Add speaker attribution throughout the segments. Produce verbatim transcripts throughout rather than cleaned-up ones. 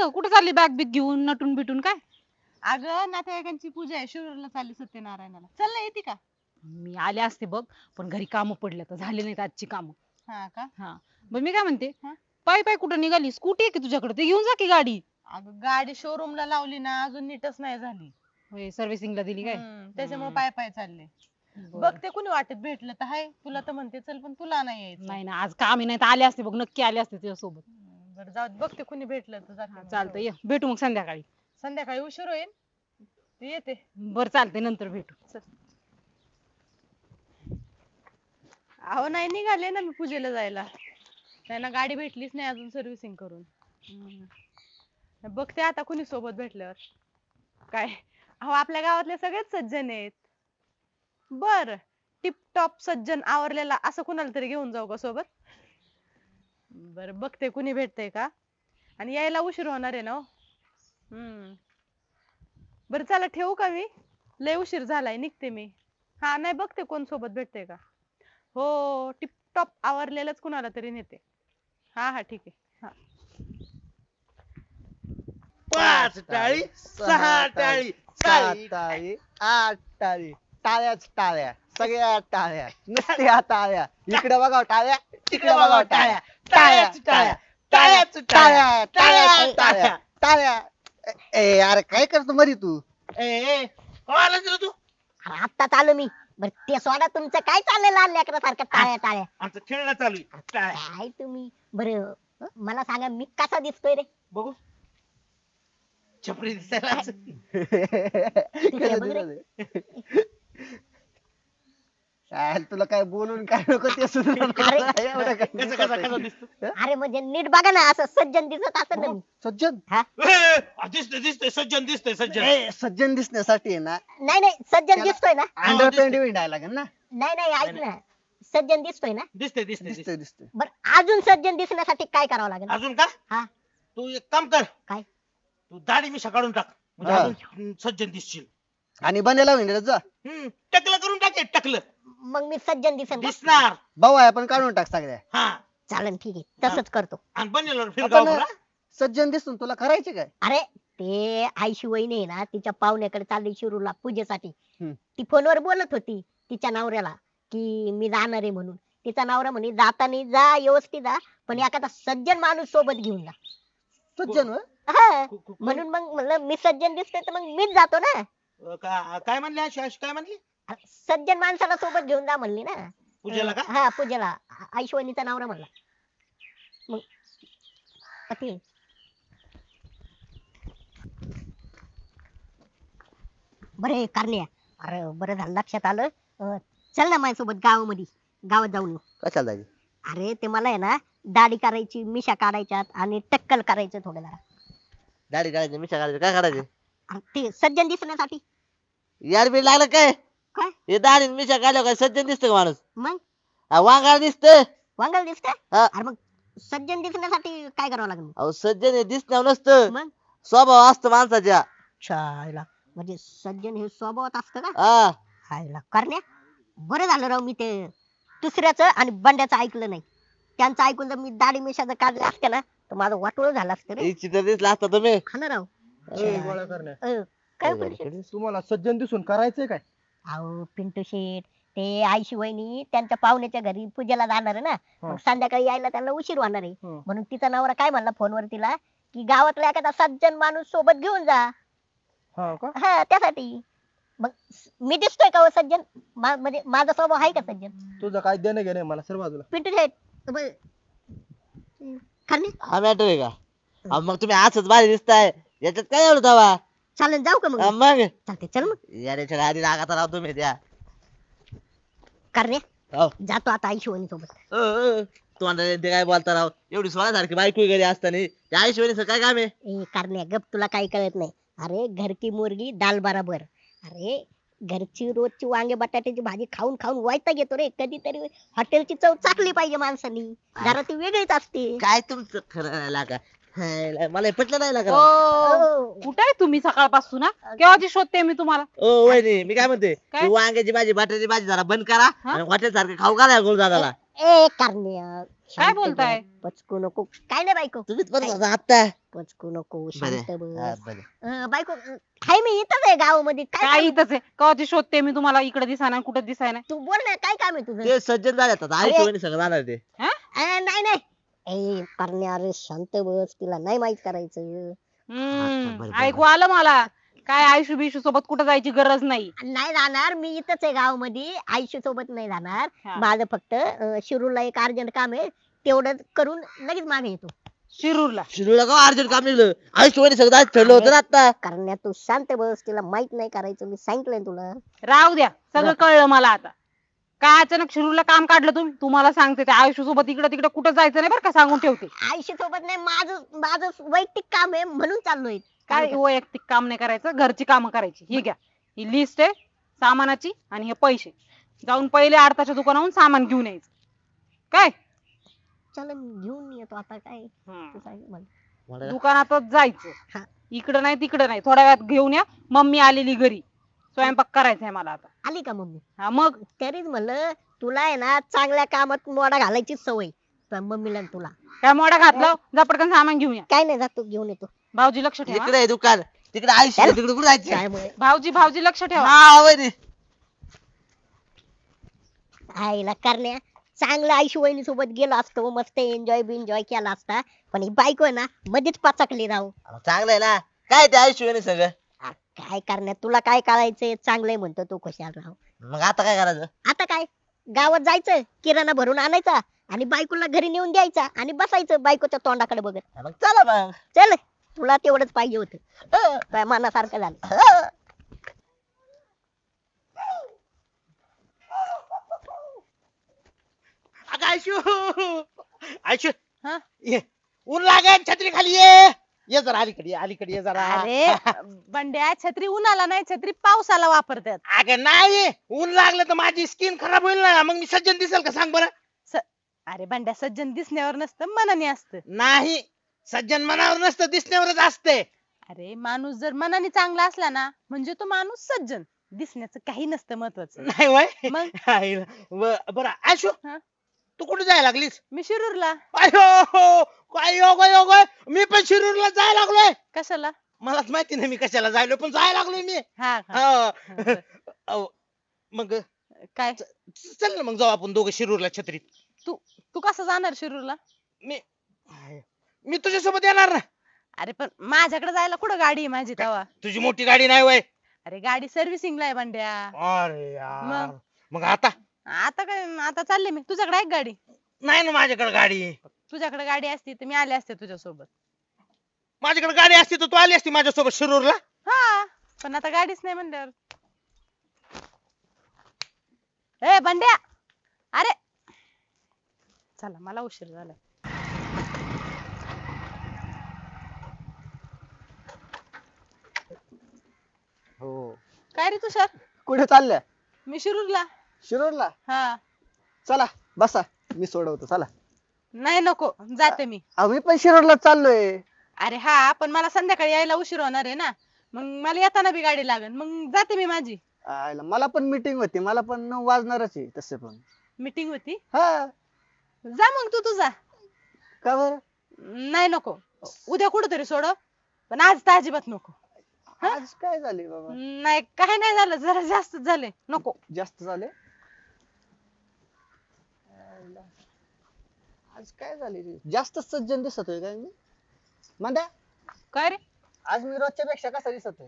Speaker 1: ग कुठे चालली बॅग बिग घेऊन नटून बिटून काय?
Speaker 2: अगं नातेवाईकांची पूजा आहे, शिरूरला चालली सत्यनारायणाला. चल ना, येते का?
Speaker 1: मी आले असते बघ, पण घरी कामं पडले तर झाले नाहीत आजची कामं.
Speaker 2: हा का?
Speaker 1: हा बरं मी काय म्हणते,
Speaker 2: हा?
Speaker 1: पाय पाय कुठं निघाली? स्कूटी आहे की तुझ्याकडे? ते घेऊन जा की गाडी.
Speaker 2: अगं गाडी शोरूमला लावली ना, अजून नीटच नाही झाली.
Speaker 1: सर्व्हिसिंगला दिली काय?
Speaker 2: हम्म, त्याच्यामुळे
Speaker 1: हम्म.
Speaker 2: पाय पाय चालले.
Speaker 1: बरं.
Speaker 2: बघ ते कुणी वाटेत भेटलं तर हाय, तुला तर म्हणते चल, पण तुला नाही यायचं.
Speaker 1: नाही ना, आज काम नाही तर आले असते बघ, नक्की आले असते तुझ्या सोबत.
Speaker 2: हम्म, बरं जाऊ दे, बघ ते कुणी भेटलं तर जाते मग
Speaker 1: चालतं,
Speaker 2: घेऊन.
Speaker 1: ये भेटू मग संध्याकाळी.
Speaker 2: संध्याकाळी उशीर होईल, तू येते.
Speaker 1: बरं चालते, नंतर भेटू.
Speaker 2: चल. अहो नाही, निघाले ना मी पूजेला जायला. त्यांना गाडी भेटलीच नाही अजून सर्व्हिसिंग करून. बघते आता कुणी सोबत भेटल्यावर. काय, अहो आपल्या गावातले सगळेच सज्जन आहेत. बर, टिपटॉप सज्जन आवरलेला असं कुणाला तरी घेऊन जाऊ का सोबत? बर बघते कुणी भेटतंय का, आणि यायला उशीर होणार आहे ना हो. हम्म, बरं चला ठेवू का मी? लय उशीर झालाय, निघते मी. हा नाही, बघते कोण सोबत भेटतंय का. हो, टिपटॉप आवरलेलंच कुणाला तरी नेते. हा हा ठीक आहे. हा.
Speaker 3: पाच टाळी, सहा टाळी,
Speaker 4: सात
Speaker 3: टाळी
Speaker 4: टाळी, आठ टाळी, टाळ्याच टाळ्या, सगळ्या टाळ्या, नुसत्या टाळ्या. इकडे बघाव टाळ्या, तिकडे बघाव टाळ्या, टाळ्याच टाळ्या, टाळ्याच टाळ्या, टाळ्याच टाळ्या, टाळ्या. ए अरे काय करतो मरी तू?
Speaker 3: ए ए, हो आलास रे तू.
Speaker 5: आत्ताच आलो मी. बर ते सोडा, तुमचं काय चाललंय लहान लेकरासारखं टाळ्या टाळ्या?
Speaker 3: आमचं खेळणं चालू आहे. टाळ्या.
Speaker 5: काय तुम्ही, बरं मला सांगा मी कसा दिसतोय रे?
Speaker 3: बघू, छपरी दिसायला.
Speaker 5: तिकडे बघ रे.
Speaker 4: काय तुला काय बोलून काय नको ते सुद्धा
Speaker 5: अरे.
Speaker 4: एवढं काय
Speaker 3: कसं कसं कसं दिसतो?
Speaker 5: अरे म्हणजे नीट बघा ना, असं सज्जन दिसत असं ना मी.
Speaker 4: सज्जन
Speaker 5: हा?
Speaker 3: ए, आ, दिसतंय दिसतंय सज्जन दिसतंय सज्जन.
Speaker 4: ए, सज्जन दिसण्यासाठी आहे ना
Speaker 5: नाही नाही, सज्जन
Speaker 4: त्याला-
Speaker 5: दिसतोय ना?
Speaker 4: अंडर पॅन्ट विंडायला लागेल ना.
Speaker 5: नाही नाही, ऐक ना, सज्जन दिसतोय ना?
Speaker 3: दिसतंय दिसतंय
Speaker 4: दिसतंय
Speaker 3: दिसतंय.
Speaker 4: दिसतंय.
Speaker 5: बर अजून सज्जन दिसण्यासाठी काय करावं लागेल?
Speaker 3: अजून का?
Speaker 5: हा.
Speaker 3: तू एक काम कर.
Speaker 5: काय?
Speaker 3: तू दाढी मिशा काढून टाक, म्हणजे
Speaker 4: हा.
Speaker 3: अजून सज्जन दिसशील.
Speaker 4: आणि बनेला विंडला जा.
Speaker 3: हम्म, टकलं करून टाके, टकलं
Speaker 5: मग मी सज्जन दिसेन का?
Speaker 3: दिसणार.
Speaker 4: भाऊ आहे आपण काढून टाक सगळ्या.
Speaker 3: हा,
Speaker 5: चालन, ठीक आहे, तसंच करतो.
Speaker 3: आणि बनेल फिरगाव
Speaker 4: आपण
Speaker 3: करा.
Speaker 4: सज्जन दिसून तुला करायचे काय?
Speaker 5: अरे ते आईशी वहिनी आहे ना, तिच्या पाहुण्याकडे चालली शिरूरला पूजेसाठी.
Speaker 4: हम्म.
Speaker 5: ती फोनवर बोलत होती तिच्या नवऱ्याला की मी जाणार आहे म्हणून. तिचा नवरा म्हणे जातानी जा, व्यवस्थित जा, पण एखादा सज्जन माणूस सोबत घेऊन जा.
Speaker 4: सज्जन होय?
Speaker 5: हा.
Speaker 3: कु- कु-
Speaker 5: म्हणून मग म्हणलं मी सज्जन दिसतोय तर मग मीच जातो ना.
Speaker 3: अ, का- काय म्हणली अशी अशी काय म्हणली?
Speaker 5: अरे, सज्जन माणसाला सोबत घेऊन जा म्हणली ना.
Speaker 3: पूजेला का?
Speaker 5: हा, पूजेला. आईशिवानीचा नवरा म्हणला. मग पती बरे करण्या, अरे बरं झालं लक्षात आलं. अं, चल ना माझ्यासोबत गावामध्ये, गावात जाऊन येऊ.
Speaker 4: कशाला जायचं?
Speaker 5: अरे ते मला आहे ना दाढी करायची, मिशा काढायच्यात आणि टक्कल करायचं थोडं जरा.
Speaker 6: दाढी काढायची मिशा काढायची काय करायचे?
Speaker 5: अरे ते सज्जन दिसण्यासाठी.
Speaker 6: यार बी लागलं काय?
Speaker 5: काय?
Speaker 6: हे दाढी आणि मिशा काढल्यावर काय सज्जन दिसतं का माणूस?
Speaker 5: मग
Speaker 6: हा, वांगाळ दिसतं.
Speaker 5: वांगल दिसतंय.
Speaker 6: हा.
Speaker 5: अरे मग सज्जन दिसण्यासाठी काय करावं लागेल मग?
Speaker 6: अहो सज्जन हे दिसण्यावर नसतं,
Speaker 5: मग
Speaker 6: स्वभाव असतो माणसाच्या.
Speaker 5: छायला, म्हणजे सज्जन हे स्वभावात असतं का?
Speaker 6: हा,
Speaker 5: हायला करण्या, बरं झालं राव मी ते दुसऱ्याचं आणि बंड्याचं ऐकलं नाही. त्यांचं ऐकून जर मी दाढी मिशा जर काढल्या असत्या ना तर माझं वाटोळ झालं असतं रे.
Speaker 6: इच्छित दिसला असता तुम्ही.
Speaker 5: हा ना राव.
Speaker 7: ए, गोळा करण्या.
Speaker 5: अं, काय परिषद?
Speaker 7: तुम्हाला सज्जन दिसून करायचंय काय?
Speaker 5: अहो पिंटू शेठ, ते आईशी वहिनी त्यांच्या पाहुण्याच्या घरी पूजेला जाणार आहे ना.
Speaker 7: हा.
Speaker 5: मग संध्याकाळी यायला त्यांना उशीर होणार आहे.
Speaker 7: हं.
Speaker 5: म्हणून तिचा नवरा काय म्हणला फोनवर तिला की गावातला एखादा सज्जन माणूस सोबत घेऊन जा.
Speaker 7: हा का?
Speaker 5: हा, त्यासाठी. मग मी दिसतोय का हो सज्जन? मा- म्हणजे माझा स्वभाव आहे का सज्जन?
Speaker 7: तुझं काय देणं घेणं मला सर बाजूला.
Speaker 5: पिंटू शेठ ब- करणे,
Speaker 6: हा मॅटर आहे का? अहो, मग तुम्ही असंच भारी दिसताय, याच्यात काय एवढं दावा?
Speaker 5: चालेल जाऊ का मग?
Speaker 6: हा, मग
Speaker 5: चालते, चल मग.
Speaker 6: याच्या आधी रागात राहतो तुम्ही त्या.
Speaker 5: करणे,
Speaker 6: हो.
Speaker 5: जातो आता आईशी वहिनी सोबत.
Speaker 6: अ, अ, तुम्हाला ते काय बोलता राव? एवढी सोळ्यासारखी बायको घरी असताना त्या आईशिवानीचं काय काम आहे?
Speaker 5: ए करण्या, गप, तुला काही कळत नाही. अरे घर की मुर्गी दाल बराबर. अरे घरची रोजची वांगे बटाट्याची भाजी खाऊन खाऊन वैताग येतो रे. कधीतरी हॉटेलची चव चाकली पाहिजे माणसानी. जरा ती वेगळीच असते.
Speaker 6: काय तुमचं खरं नाही लागा. हाय, मला हे पटलं नाही लागा.
Speaker 1: ओ, कुठे आहे तुम्ही सकाळपासून? हा? केव्हाची शोधते मी तुम्हाला.
Speaker 6: ओ वहिनी, मी काय म्हणते,
Speaker 1: काय?
Speaker 6: ती वांग्याची भाजी बटाट्याची भाजी जरा बंद करा
Speaker 1: हा?
Speaker 6: आणि हॉटेल सारखं खाऊ घाला गुरुदादाला.
Speaker 5: ए करण्या, शांत
Speaker 1: बोलताय?
Speaker 5: बस, पचकू नको. काय नाही बायको,
Speaker 6: तुम्हीच बरं होता आता
Speaker 5: पचकू नको,
Speaker 6: बरे
Speaker 5: शांत
Speaker 6: हा,
Speaker 5: बस.
Speaker 6: बरे.
Speaker 5: अं, बायको अं, हाय मी इथंच आहे गावामध्ये. काय
Speaker 1: काय
Speaker 5: काम?
Speaker 1: इथंच आहे कवाची शोधते मी तुम्हाला, इकडे दिसाय कुठं दिसाय नाही.
Speaker 5: तू बोल ना, काय काम आहे तुझं?
Speaker 6: ते सज्जन झाले आता
Speaker 5: अरे.
Speaker 6: आयुष्यवाणी सगळं जाणार ते
Speaker 5: अं, नाही नाही ए करण्या, अरे शांत बस, तिला नाही माहित करायचं.
Speaker 1: हम्म
Speaker 6: बरं, बरं.
Speaker 1: ऐकू आलं मला. काय आयुष्य बिशू सोबत कुठं जायची गरज नाही.
Speaker 5: नाही जाणार, मी इथंच आहे गावामध्ये, आयुष्य सोबत नाही जाणार.
Speaker 1: हा.
Speaker 5: माझं फक्त अं, शिरूरला एक अर्जंट काम आहे, तेवढं करून लगेच मागे येतो.
Speaker 1: शिरूरला
Speaker 6: शिरूला का अर्जंट काम निघलं आयुष्यवाणी सगळं आज ठरलं होतं ना आता
Speaker 5: करण्या, तू शांत बस, तिला माहित नाही करायचं, मी सांगितलंय तुला.
Speaker 1: राहू द्या, सगळं
Speaker 5: जा.
Speaker 1: कळलं मला आता. काय अचानक शिरूरला काम काढलं तुम्ही? तुम्हाला सांगते त्या आयुष्य सोबत इकडे तिकडे कुठं जायचं नाही बरं का, सांगून ठेवते.
Speaker 5: आयुष्य सोबत नाही, माझं माझं वैयक्तिक काम आहे म्हणून चाललोय.
Speaker 1: काय वैयक्तिक काम नाही करायचं, घरची कामं करायची. ही घ्या, ही लिस्ट आहे सामानाची आणि हे पैसे. जाऊन पहिले आडताच्या दुकानाहून सामान घेऊन यायचं. काय
Speaker 5: चल घेऊन येतो आता, काय तू सांग मला.
Speaker 6: मला
Speaker 1: दुकानातच जायचं.
Speaker 5: हा.
Speaker 1: इकडं नाही तिकडं नाही, थोड्या वेळात घेऊन या. मम्मी आलेली घरी, स्वयंपाक करायचा आहे मला आता.
Speaker 5: आली का मम्मी?
Speaker 1: हा मग
Speaker 5: तरीच म्हणलं तुला आहे ना चांगल्या कामात मोडा घालायची सवय, तुझ्या मम्मीला आणि तुला.
Speaker 1: काय मोडा घातलं, जा पटकन सामान घेऊन या.
Speaker 5: काय नाही, जातो घेऊन येतो.
Speaker 1: भाऊजी लक्ष ठेवा.
Speaker 6: इकडे आहे दुकान, तिकडे आयुष्य
Speaker 5: चल.
Speaker 6: तिकडे कुठे जायचं
Speaker 5: त्यामुळे
Speaker 1: भाऊजी भाऊजी लक्ष ठेवा.
Speaker 6: हा वहिनी
Speaker 5: आईला करण्या, चांगलं आयुष्य वहिनी सोबत गेलो असतो, मस्त एन्जॉय बिन्जॉय केला असता, पण ही बायको आहे ना मध्येच पाचकली राहू.
Speaker 6: चांगलं आहे ना, काय ते आयुष्यवाणी सगळं
Speaker 5: आ, काय करण्यात तुला काय करायचंय, चांगलंय म्हणतो तू, खुशाल राहू.
Speaker 6: मग आता काय करायचं
Speaker 5: आता काय, गावात जायचं, किराणा भरून आणायचा आणि बायकोला घरी नेऊन द्यायचा आणि बसायचं बायकोच्या तोंडाकडे बघत.
Speaker 6: मग चला मग
Speaker 5: चल, तुला तेवढंच पाहिजे होतं, तुझ्या मनासारखं झालं.
Speaker 3: अगं आयशू आयशू
Speaker 2: हा?
Speaker 3: ये ऊन लागेल, छत्री खाली ये. ये जरा अलीकडे ये, अलीकडे ये जरा.
Speaker 2: अरे बंड्या, छत्री उन्हाला नाही, छत्री पावसाला वापरतात.
Speaker 3: अगं नाही, ऊन लागलं तर माझी स्किन खराब होईल ना, मग मी सज्जन दिसेल का सांग बरं.
Speaker 2: अरे बंड्या, सज्जन दिसण्यावर नसतं, मनाने असतं.
Speaker 3: नाही, सज्जन मनावर नसतं, दिसण्यावरच असते.
Speaker 2: अरे माणूस जर मनाने चांगला असला ना, म्हणजे तो माणूस सज्जन. दिसण्याचं काही नसतं महत्वाचं.
Speaker 3: नाही वय
Speaker 2: मग?
Speaker 3: हाय, ब- बरं आयशू,
Speaker 2: हा?
Speaker 3: तू कुठे जायला लागलीस?
Speaker 2: मी शिरूरला.
Speaker 3: अयो काय योग योग आहे. मी पण शिरूरला जायला लागलोय.
Speaker 2: कशाला?
Speaker 3: मलाच माहिती नाही मी कशाला जायलो, पण जायला लागलोय मी.
Speaker 2: हा का?
Speaker 3: हा.
Speaker 2: बरं.
Speaker 3: अहो, मग
Speaker 2: काय
Speaker 3: चल ना, मग जाऊ आपण दोघं शिरूरला छत्रीत.
Speaker 2: तू तू कसं जाणार शिरूरला?
Speaker 3: मी मी तुझ्यासोबत येणार ना.
Speaker 2: अरे पण माझ्याकडे जायला कुठं गाडी आहे माझी तवा?
Speaker 3: तुझी मोठी गाडी नाही वय.
Speaker 2: अरे गाडी सर्व्हिसिंगला आहे बंड्या.
Speaker 3: अरे यार,
Speaker 2: मग?
Speaker 3: मग आता
Speaker 2: आता काय, आता चालले मी. तुझ्याकडे आहे का गाडी?
Speaker 3: नाही ना माझ्याकडे गाडी.
Speaker 2: तुझ्याकडे गाडी असती तर मी आले असते तुझ्यासोबत.
Speaker 3: माझ्याकडे गाडी असती तर तू आली असती माझ्यासोबत शिरूरला.
Speaker 2: हा, पण आता गाडीच नाही म्हणल्यावर. ए बंड्या, अरे चला, मला उशीर झाला.
Speaker 4: हो.
Speaker 2: काय रे तुषार?
Speaker 4: कुठे चालल्या?
Speaker 2: मी शिरूरला.
Speaker 4: शिरूरला?
Speaker 2: हा.
Speaker 4: चला बसा, मी सोडवतो, चला.
Speaker 2: नाही नको, जाते मी.
Speaker 4: आम्ही पण शिरूरला चाललोय.
Speaker 2: अरे हा, पण मला संध्याकाळी यायला उशीर होणार आहे ना, मग मला येताना बी गाडी लागेल, मग जाते मी माझी.
Speaker 4: आयला, मला पण मीटिंग होती, मला पण नऊ वाजणारच आहे तसे पण.
Speaker 2: मीटिंग होती.
Speaker 4: हा.
Speaker 2: जा मग तू तुझा.
Speaker 4: का बरं?
Speaker 2: नाही नको, उद्या कुठेतरी सोड, पण आज तर अजिबात नको.
Speaker 4: आज काय झाले बाबा?
Speaker 2: नाही, काय नाही झालं, जरा जास्त झाले, नको.
Speaker 4: जास्त झाले? आयला, आज काय झाले रे? जास्त सज्जन दिसतोय काय मी? म्हणता
Speaker 2: काय रे?
Speaker 4: आज मी रोजच्या पेक्षा कसा दिसतोय?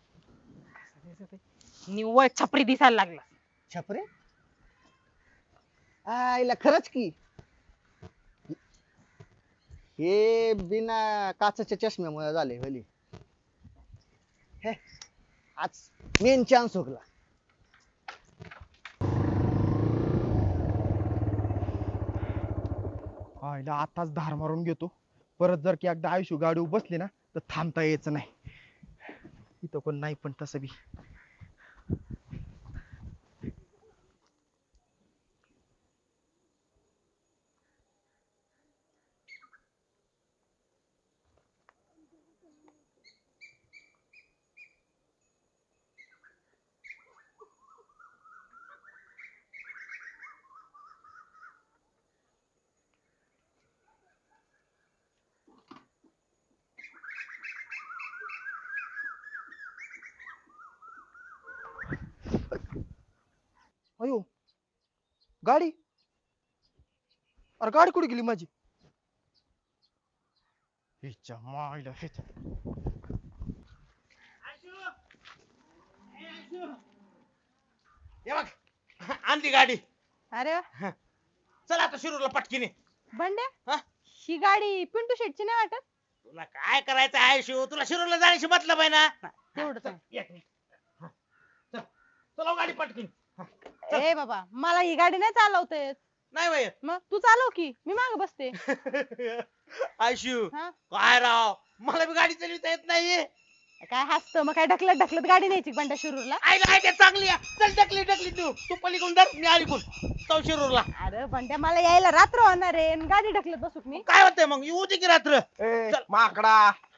Speaker 1: निव्वळ छपरी दिसायला लागला.
Speaker 4: छपरे? आईला खरंच की, हे बिना काचेच्या चष्म्यामुळे झाले भली. हे आज मेन चान्स हुकला.
Speaker 7: आईला आताच धार मारून घेतो, परत जर की एकदा आयुष्य गाडी बसली ना तर थांबता यायचं नाही. इथं कोण नाही पण तसं बी. अयो गाडी, अरे गाडी कुठे गेली माझी? हिच्या मायला हिच्या.
Speaker 3: हे बघ आणली गाडी.
Speaker 2: अरे वा.
Speaker 3: चल आता शिरूरला पटकीने.
Speaker 2: बंड्या
Speaker 3: हा?
Speaker 2: ही गाडी पिंटू शेटची नाही वाटत?
Speaker 3: तुला काय करायचं आहे शिव? तुला शिरूरला जाण्याशी मतलब आहे ना?
Speaker 2: तेवढंच आहे.
Speaker 3: एक मिनिट. हा. चल चला गाडी पटकीन.
Speaker 2: ए बाबा मला ही गाडी नाही चालवता येत.
Speaker 3: नाही बाई
Speaker 2: मग तू चालव की मी माग बसते.
Speaker 3: आयशू
Speaker 2: हा?
Speaker 3: काय राव, मला बी गाडी चालवता येत नाही.
Speaker 2: काय हसतं मग काय ढकलत ढकलत गाडी न्यायची बंड्या शिरूरला?
Speaker 3: आईला आयडिया चांगली आहे. चल ढकली ढकली तू तू पलीकडून धर, मी अलीकडून जाऊ शिरूरला.
Speaker 2: अरे बंड्या मला यायला रात्र होणार आहे आणि गाडी ढकलत बसू का मी?
Speaker 3: काय होतंय मग, येऊ दे की रात्र.
Speaker 7: ए
Speaker 3: चल.
Speaker 7: माकडा,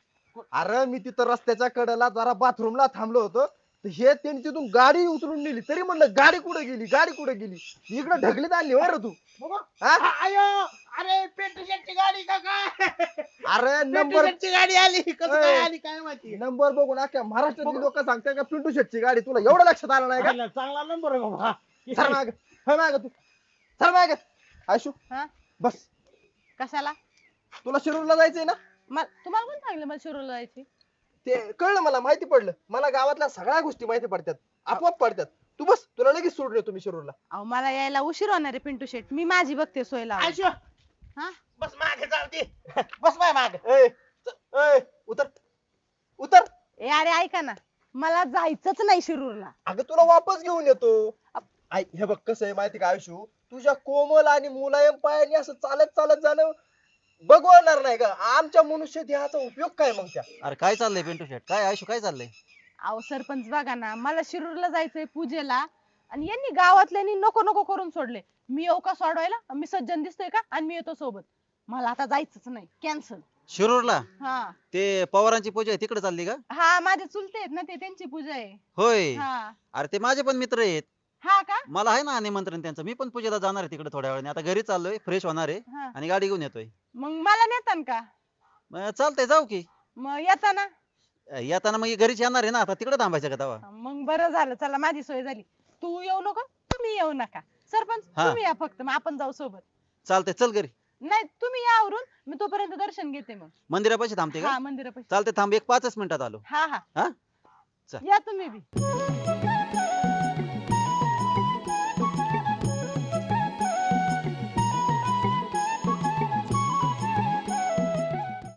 Speaker 7: अरे मी तिथं रस्त्याच्या कडेला जरा बाथरूमला थांबलो होतो, तर हे त्यांनी तिथून गाडी उचलून नेली. तरी म्हणलं गाडी कुठे गेली, गाडी कुठे गेली? इकडे ढकलीत आणली वर तू. हा?
Speaker 3: आयो अरे पेट्रोल शेटची गाडी का काय?
Speaker 7: अरे
Speaker 3: पेट्रोल
Speaker 7: नंबर
Speaker 3: शेटची गाडी आली, कसं काय
Speaker 7: ए.
Speaker 3: आली काय माहिती.
Speaker 7: नंबर बघून अख्ख्या महाराष्ट्रातली लोक सांगतात का पिंटू शेटची गाडी. तुला एवढं लक्षात आलं नाही का?
Speaker 3: आला, चांगला नंबर आहे बाबा.
Speaker 7: चल माग, चल माग तू, चल माग. आयशू
Speaker 2: हा?
Speaker 7: बस,
Speaker 2: कशाला?
Speaker 7: तुला शिरूरला जायचंय ना?
Speaker 2: म- तुम्हाला कोण सांगलं मला शिरूरला जायची?
Speaker 7: ते कळलं, मला माहिती पडलं. मला गावातल्या सगळ्या गोष्टी माहिती पडतात, आपोआप पडतात. तू बस, तुला लगेच सोडून येतो मी शिरूरला.
Speaker 2: अहो मला यायला उशीर होणार आहे पिंटू शेट. मी माझी बघते सोय लावून.
Speaker 3: आयशू
Speaker 2: हा?
Speaker 3: बस मागे जाऊ दे. बस माय मागे.
Speaker 7: ए, ए, उतर उतर.
Speaker 2: ए अरे ऐका ना, मला जायचंच नाही शिरूरला.
Speaker 7: अगं तुला वापस घेऊन येतो. आई हे बघ कसं आहे माहिती का आयुष्यू, तुझ्या कोमल आणि मुलायम पायाने असं चालत चालत जाणं बघवणार नाही का? आमच्या मनुष्य देहाचा उपयोग काय मग त्या?
Speaker 6: अरे काय चाललंय पिंटू शेट, काय आयुष्य काय चाललंय?
Speaker 2: अहो सरपंच बघा ना, मला शिरूरला जायचंय पूजेला आणि यांनी गावातल्यांनी नको नको करून सोडले. मी येऊ का सोडवायला? मी सज्जन दिसतोय का? आणि मी येतो सोबत. मला आता जायचंच नाही, कॅन्सल.
Speaker 6: शिरूरला
Speaker 2: हा
Speaker 6: ते पवारांची पूजा आहे तिकडे चालली का?
Speaker 2: हा माझे चुलते आहेत ना, ते त्यांची पूजा आहे.
Speaker 6: होय.
Speaker 2: हा
Speaker 6: अरे ते माझे पण मित्र आहेत,
Speaker 2: हा का?
Speaker 6: मला आहे ना निमंत्रण त्यांचं. मी पण पूजेला जाणार आहे तिकडे थोड्या वेळाने. आता घरी चाललोय, फ्रेश होणार आहे
Speaker 2: हा.
Speaker 6: आणि गाडी घेऊन येतोय.
Speaker 2: मग मला नेतान का?
Speaker 6: मग चालतंय, जाऊ की.
Speaker 2: मग येताना?
Speaker 6: येताना मग घरीच येणार आहे ना, आता तिकडे थांबायचं का तवा?
Speaker 2: मग बरं झालं, चला माझी सोय झाली. तू येऊ नको, तुम्ही येऊ नका. सरपंच
Speaker 6: हा.
Speaker 2: तुम्ही या फक्त, मग आपण जाऊ सोबत.
Speaker 6: चालतंय, चल घरी.
Speaker 2: नाही तुम्ही या आवरून, मी तोपर्यंत दर्शन घेते. मग
Speaker 6: मंदिरापाशी थांबते का?
Speaker 2: हा मंदिरापाशी.
Speaker 6: चालते, थांब, एक पाचच मिनिटात आलो.
Speaker 2: हा हा
Speaker 6: हा चल.
Speaker 2: या तुम्ही बी.